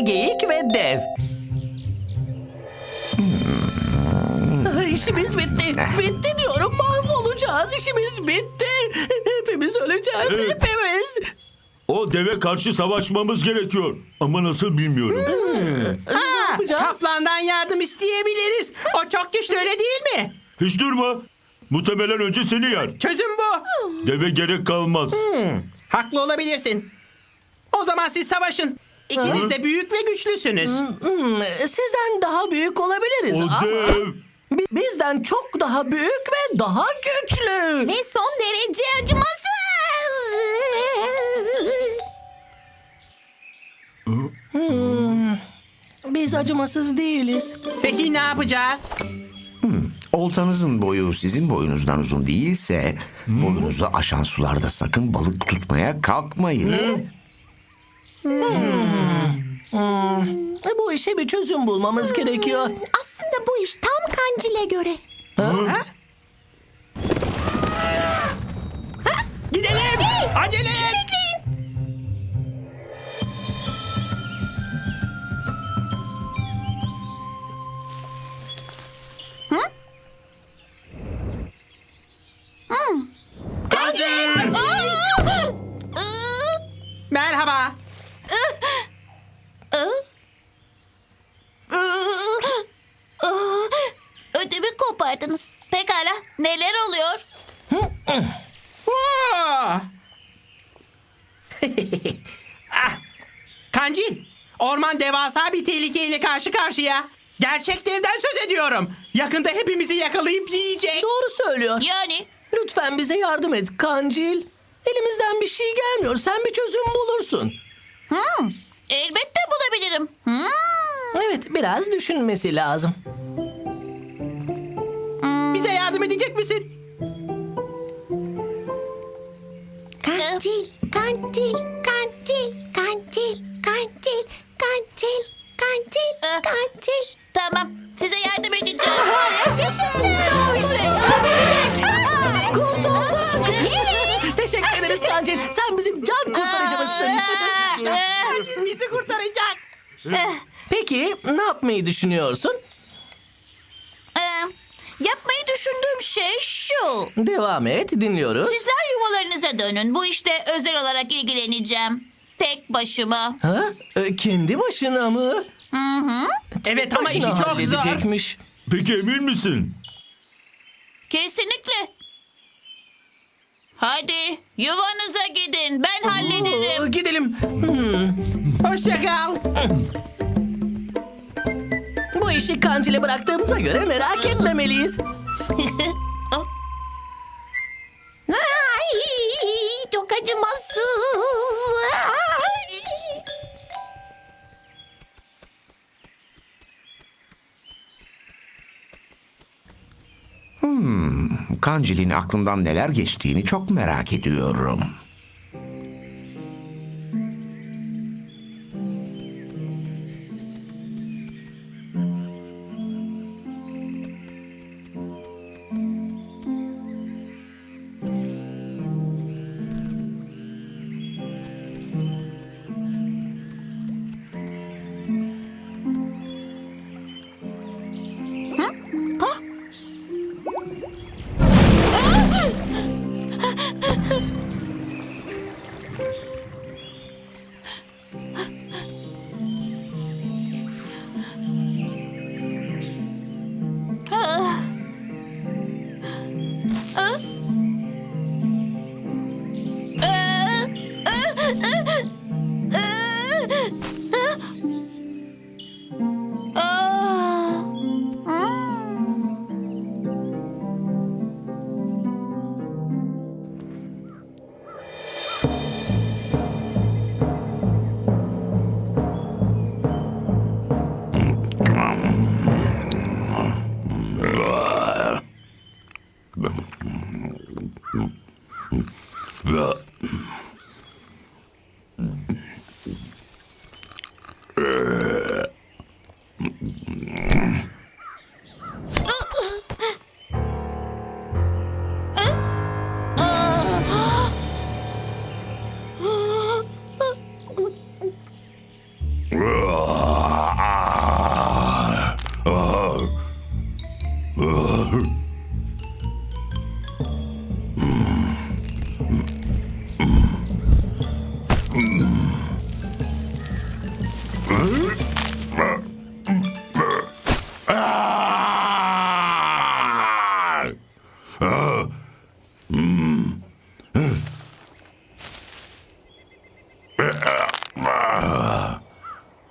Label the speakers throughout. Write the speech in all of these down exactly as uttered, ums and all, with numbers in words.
Speaker 1: geyik ve dev. Hmm. İşimiz bitti. Bitti diyorum. Mahvolacağız. İşimiz bitti. Hepimiz öleceğiz.
Speaker 2: Evet.
Speaker 1: Hepimiz.
Speaker 2: O deve karşı savaşmamız gerekiyor. Ama nasıl bilmiyorum.
Speaker 1: Ne yapacağız?
Speaker 3: Kaplandan yardım isteyebiliriz. O çok güçlü, öyle değil mi?
Speaker 2: Hiç durma. Muhtemelen önce seni yer.
Speaker 3: Çözüm bu.
Speaker 2: Deve gerek kalmaz.
Speaker 3: Haklı olabilirsin. O zaman siz savaşın. İkiniz de büyük ve güçlüsünüz.
Speaker 1: Hmm, sizden daha büyük olabiliriz
Speaker 2: O
Speaker 1: ama
Speaker 2: dev.
Speaker 1: bi- bizden çok daha büyük ve daha güçlü.
Speaker 4: Ve son derece acımasız.
Speaker 1: Biz acımasız değiliz.
Speaker 3: Peki ne yapacağız?
Speaker 5: Oltanızın boyu sizin boyunuzdan uzun değilse boyunuzu aşan sularda sakın balık tutmaya kalkmayın.
Speaker 1: E, Bu işe bir çözüm bulmamız gerekiyor.
Speaker 4: Aslında bu iş tam kancile göre.
Speaker 3: Gidelim. Acele et. Merhaba.
Speaker 4: Ödümü kopardınız. Pekala. Neler oluyor?
Speaker 3: Oo! Ah! Kancil, orman devasa bir tehlikeyle karşı karşıya. Gerçek devden söz ediyorum. Yakında hepimizi yakalayıp yiyecek.
Speaker 1: Doğru söylüyor.
Speaker 4: Yani
Speaker 1: Lütfen bize yardım et Kancil. Elimizden bir şey gelmiyor. Sen bir çözüm bulursun.
Speaker 4: hmm, elbette bulabilirim. Hmm.
Speaker 1: Evet, biraz düşünmesi lazım.
Speaker 3: Bize yardım edecek misin?
Speaker 4: Kancil, kancil, kancil, kancil, kancil, kancil, kancil, kancil. Tamam, size yardım edeceğim.
Speaker 1: Yaşasın. Tamam işte. Aa, Kurtulduk. Teşekkür ederiz Kancil. Sen bizim can kurtarıcımızsın.
Speaker 3: Kancil bizi kurtaracak.
Speaker 1: Peki ne yapmayı düşünüyorsun?
Speaker 4: Ee, yapmayı düşündüğüm şey şu.
Speaker 1: Devam et, dinliyoruz.
Speaker 4: Sizler yuvalarınıza dönün. Bu işte özel olarak ilgileneceğim. Tek başıma.
Speaker 1: Ha? E, kendi başına mı?
Speaker 4: Hı hı.
Speaker 3: Evet ama işi
Speaker 1: Başına
Speaker 3: çok zor.
Speaker 1: halledecekmiş.
Speaker 2: Peki emin misin?
Speaker 4: Kesinlikle. Hadi yuvanıza gidin. Ben
Speaker 1: Oo,
Speaker 4: hallederim.
Speaker 1: gidelim. Hmm,
Speaker 3: Hoşça kal.
Speaker 1: bu işi Kancil'e bıraktığımıza göre merak etmemeliyiz.
Speaker 4: Ay, çok acımasız. Ay.
Speaker 5: Kancil'in aklından neler geçtiğini çok merak ediyorum.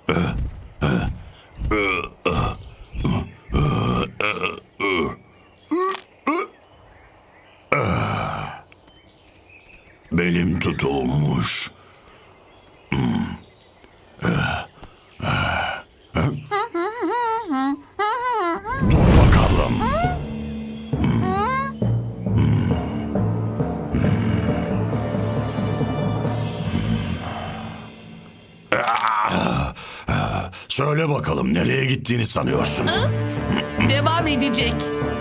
Speaker 2: Belim tutulmuş. Dur bakalım. Söyle bakalım nereye gittiğini sanıyorsun?
Speaker 1: Devam edecek.